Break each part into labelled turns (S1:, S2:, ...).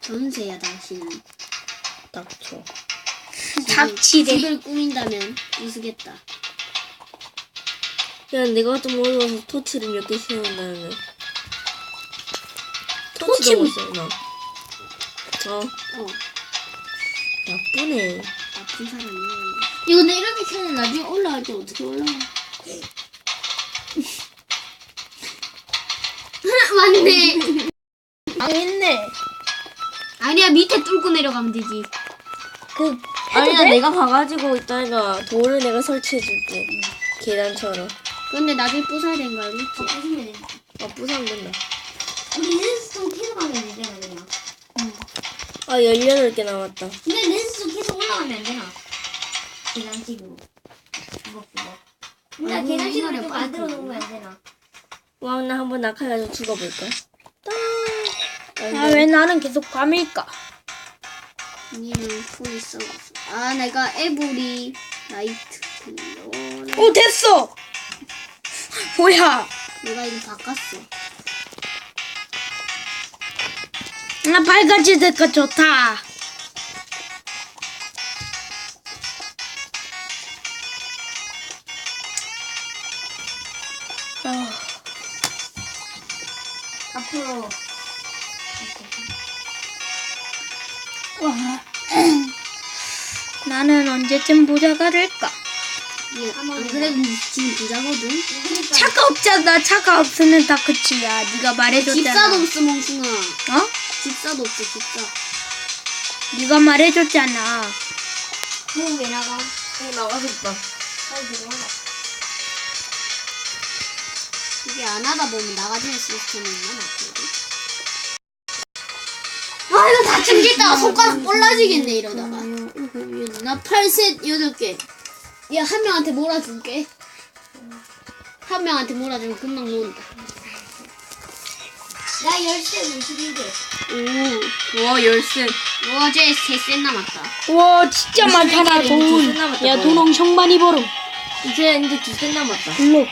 S1: 전세야 당신은.
S2: 닥쳐.
S3: 닥치래.
S1: 집을 꾸민다면 우스겠다.
S2: 야, 내가 좀 어려워서 토치를 몇 개 세운다는. 토치 너무 세, 나. 나쁘네.
S1: 나쁜 사람이야.
S3: 이거 내 이렇게 켜면 나중에 올라갈 때 어떻게 올라가? 맞네.
S2: 했네.
S1: 아니야 밑에 뚫고 내려가면 되지.
S2: 아니야, 내가 가가지고 이따가 돌을 내가 설치해줄게. 계단처럼.
S1: 근데 나중에 부숴야 되는 거 알지?
S3: 부수면 돼.
S2: 부수면 된다.
S3: 우리 렌스톤 계속 가면 되잖아 그냥.
S2: 18개 남았다.
S3: 근데 렌스톤 계속 올라가면 안 되나? 계단식으로. 그거. 근데
S1: 아이고,
S3: 계단식으로
S1: 이거를
S3: 좀
S1: 빨리
S3: 만들어 놓으면 안 되나?
S2: 와, 나 한번 낙하해가지고 죽어볼까?
S3: 아, 왜 나는 계속 밤일까?
S1: 니는 풀이 썩었어. 아 내가 에브리 나이트 클리어.
S3: 오, 됐어! 뭐야?
S1: 내가 이거 바꿨어.
S3: 나 밝아지니까 좋다. 앞으로. 와. 나는 언제쯤 부자가 될까?
S1: 안 그래도 지금 부자거든.
S3: 차가 없잖아. 차가 없으면 다 끝이야. 네가 말해줬잖아.
S1: 집사도 없어 멍충아.
S3: 어?
S1: 집사도 없어 집사.
S3: 네가 말해줬잖아.
S2: 그럼 왜 나가? 나가서 있다.
S1: 이게 안 하다 보면 나가지는 시스템이 있나 맞거든. 아 이거 다 챙겼다가 손가락 볼라지겠네 이러다가. 나 8셋 8개. 야 한 명한테 몰아줄게. 한 명한테 몰아주면 금방 모은다.
S3: 나 10세 51개.
S1: 오, 와 열쇠. 와, 쟤 3셋 남았다.
S3: 와 진짜 많잖아
S2: 이제
S3: 돈.
S2: 두세 남았다,
S3: 야
S2: 거의.
S3: 돈 엄청 많이 벌어.
S2: 이제 2개 남았다.
S3: 블록.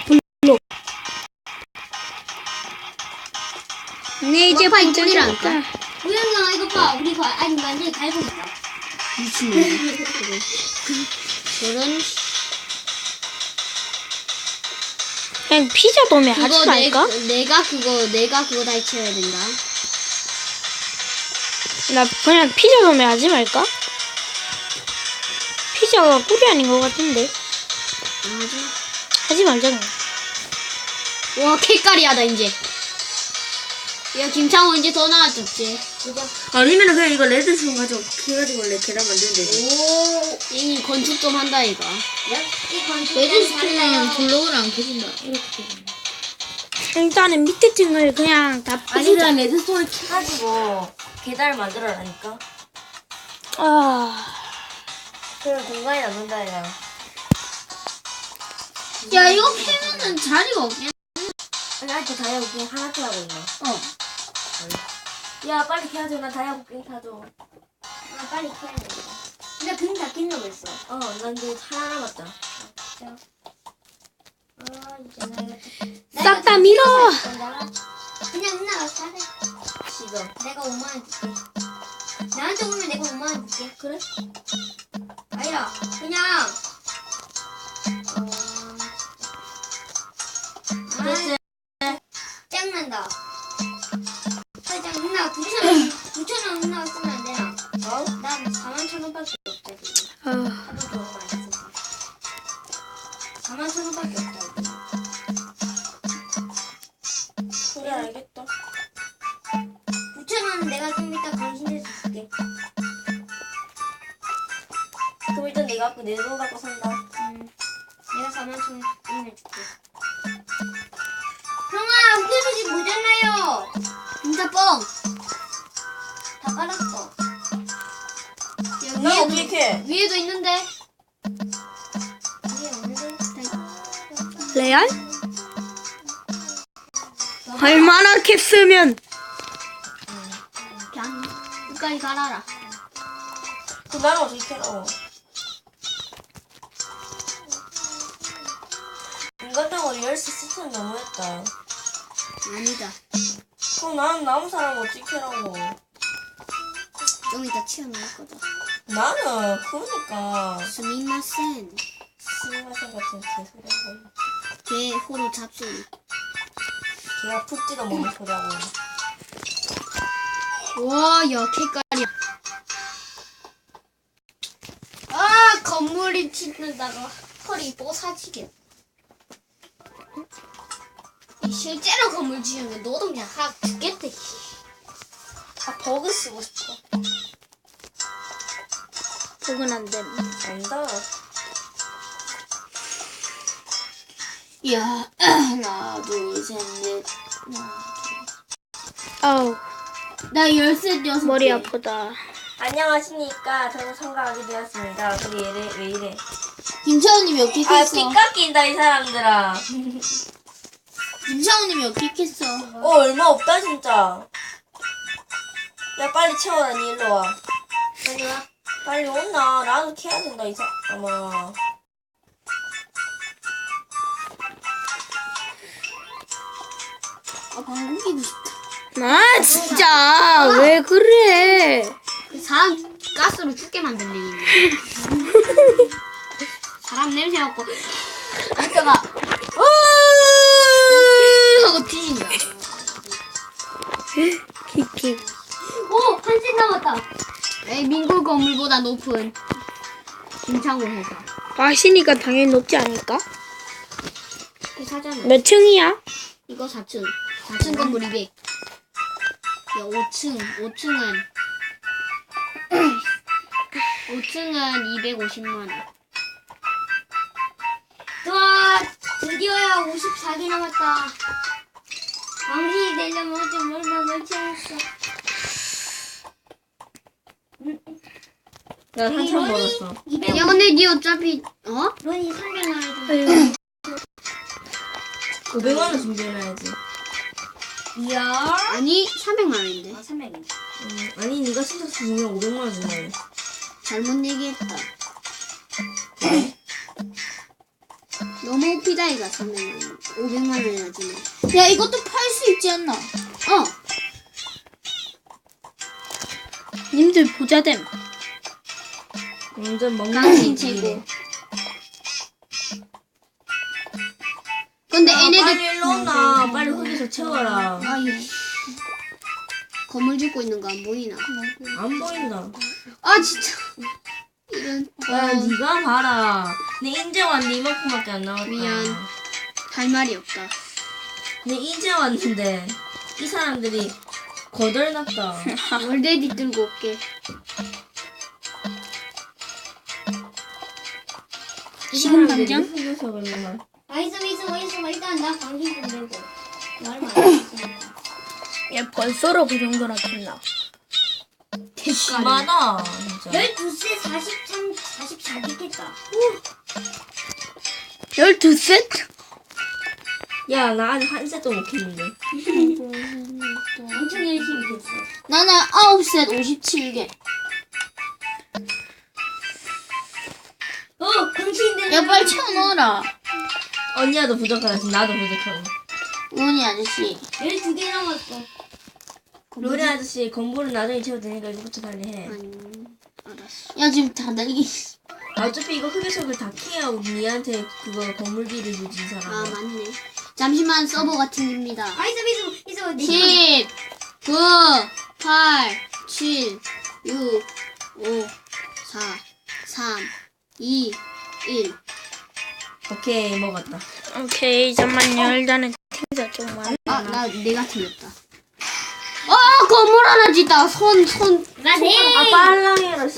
S3: 네 이제
S1: 막판
S3: 부자
S1: 꿀이라니까.
S3: 됐다. 우영아 이거 봐. 우리 아직 완전히 갈고 있다.
S1: 미친놈. 저런.
S3: 그냥 피자 도매 하지
S1: 그거
S3: 말까?
S1: 내가 그거 다 해쳐야 된다.
S3: 나 그냥 피자 도매 하지 말까? 피자가 꿀이 아닌 것 같은데. 하지 말자고.
S1: 와, 캐까리하다 이제. 야, 김창호 이제 더 나아졌지.
S2: 아니면 그냥 이거 레드스톤 가지고 해가지고 원래 계단 만들면 되지.
S1: 오, 이 건축 좀 한다 이가.
S3: 레드스톤은
S1: 블록을 안 켜진다.
S3: 일단은 밑에 층을 그냥 다
S2: 아니,
S3: 부수자.
S2: 그냥 레드스톤을 캐가지고 계단을 만들어라니까.
S3: 아,
S2: 그럼 공간이 남는다, 야.
S1: 야, 이거 캐면은 자리가 없겠네.
S2: 아니, 아직 다이아고 그냥 하나 더 하고 있네. 야, 빨리 캐야죠. 나 다이아고 그냥 타줘.
S3: 아 빨리 캐야 돼. 근데 금 다 낀다고 했어.
S2: 난 이제 하나 남았다.
S3: 싹 다 밀어.
S4: 그냥 누나가 사래.
S2: 지금.
S4: 내가 5만 원 줄게. 나한테 오면 내가 5만 원 줄게.
S2: 그래?
S4: 아니야, 그냥.
S2: 됐지?
S4: 짱난다. 짱 누나 9천 원 누나가 쓰면 안 되나? 난 4만 천 원밖에 없다 지금. 하도 더 많이 써서. 4만 천 원밖에 없다.
S2: 그래, 알겠다.
S4: 9천 원은 내가 좀 이따 당신한테 줄게.
S2: 그럼 일단 내가 내 돈 갖고 산다.
S4: 내가 4만 천 원을 줄게. 형아, 웃겨주지 모자라요.
S1: 진짜 뻥.
S4: 다 깔았어.
S1: 야,
S2: 나 어떻게 캐?
S1: 위에도 있는데.
S4: 이게 없는데?
S3: 레알? 얼마나 캡쓰면
S1: 그냥 끝까지 갈아라.
S2: 그 나는 어떻게 캐라고? 인간적으로 열쇠 스톤 너무했다.
S1: 아니다.
S2: 그럼 나는 남은 사람 어떻게 캐라고?
S1: 좀 이따 튀어나올 거다.
S2: 나는 그러니까
S1: 스미마센.
S2: 스미마셍 같은 개소리 하고
S1: 개 호로 잡순.
S2: 걔가 푹지도 못는 소리 하고
S1: 와, 야, 개깔이야. 아, 건물이 튀는다가 털이 뽀사지게. 이 실제로 건물 지으면 노동자 확 죽겠대.
S2: 다 버그 쓰고 싶어.
S5: 복은 안 됨.
S2: 안다.
S1: 야, 하나, 둘, 셋, 넷.
S5: 아우,
S1: 나 열셋 여섯
S5: 머리
S1: 개.
S5: 아프다.
S2: 안녕하십니까. 저는 참가하게 되었습니다. 근데 왜 이래?
S1: 김차우님이
S2: 아,
S1: 어떻겠어?
S2: 피 깎인다, 이 사람들아.
S1: 김차우님이 어떻겠어?
S2: 얼마 없다, 진짜. 야, 빨리 채워라, 니 일로 와.
S4: 빨리 와.
S2: 빨리 온나. 나도 캐야 된다, 아마.
S1: 아, 방금 끼고 싶다.
S5: 아, 진짜. 왜 그래?
S1: 사람 가스로 죽게 만든 얘기네. 사람 냄새 맡고 안타가 하고 뒤진다.
S5: 키키.
S1: 오! 한신 남았다. 에이, 민굴 건물보다 높은 김창호 회사.
S5: 마시니까 당연히 높지 않을까?
S1: 회사잖아.
S5: 몇 층이야?
S1: 이거 4층. 4층 건물 200. 야, 5층. 5층은 250만 원.
S4: 와, 드디어야 54개 남았다. 왕신이 되려면 좀 얼마 채웠어.
S2: 나 한참 벌었어.
S4: 200.
S1: 야, 근데 니 어차피
S4: 론이 300만 원.
S2: 500만 원 준비해놔야지.
S4: 이야.
S1: 아니 300만 원인데.
S4: 300원.
S2: 아니, 네가 신청 주면 500만 원 준다며.
S1: 잘못 얘기했다. 너무 웃기다 이가 300만 원. 500만 원이나 주네.
S5: 야, 이것도 팔 수 있지 않나? 님들 부자됨.
S2: 완전 먹는
S1: 당신
S2: 집이네.
S1: 최고. 근데
S2: 야,
S1: 얘네들
S2: 빨리 일로 온나. 빨리 흙에서 채워라.
S1: 아이 건물 짓고 있는 거 안 보이나?
S2: 안 보인다.
S1: 아 진짜 이런
S2: 야, 네가 봐라. 내 인제 왔는데 이만큼밖에 안 나왔다.
S1: 미안. 할 말이 없다.
S2: 내 인제 왔는데 이 사람들이 거덜났다.
S1: 월데디 들고 올게.
S5: 지금 당장?
S2: 흙에서 그러면
S4: 있어. 일단 나 방신 좀 내고. 얼마 안 됐으니까.
S5: 야, 벌써로 그 정도나 줬나?
S2: 심하다 진짜.
S4: 12세 44개 깼다.
S5: 12셋?
S2: 야, 나 아직 한 세도 못 켰는데.
S4: 엄청 열심히 됐어.
S1: 나는 9셋 57개.
S4: 방신들.
S1: 야 빨리 채워 넣어라.
S2: 언니야도 부족하다. 지금 나도 부족하고.
S1: 우원이 아저씨.
S4: 12개 남았어.
S2: 로리 아저씨 공부를 나중에 채워도 되니까 이거부터 빨리 해.
S1: 알았어. 야 지금 다 날개.
S2: 어차피 이거 흙에서를 다 캐야 니한테 그거 건물비를 주지 이 사람.
S1: 아 맞네. 잠시만 서버가 튕깁니다.
S4: 있어.
S1: 10, 9, 8, 7, 6, 5, 4, 3, 2, 1.
S2: 오케이, 먹었다.
S5: 오케이, 잠만요. 일단은 튕자 조금만.
S1: 아, 내가 틀렸다. 건물 하나 짓다. 손.
S4: 나 돼.
S2: 아, 빨랑해라.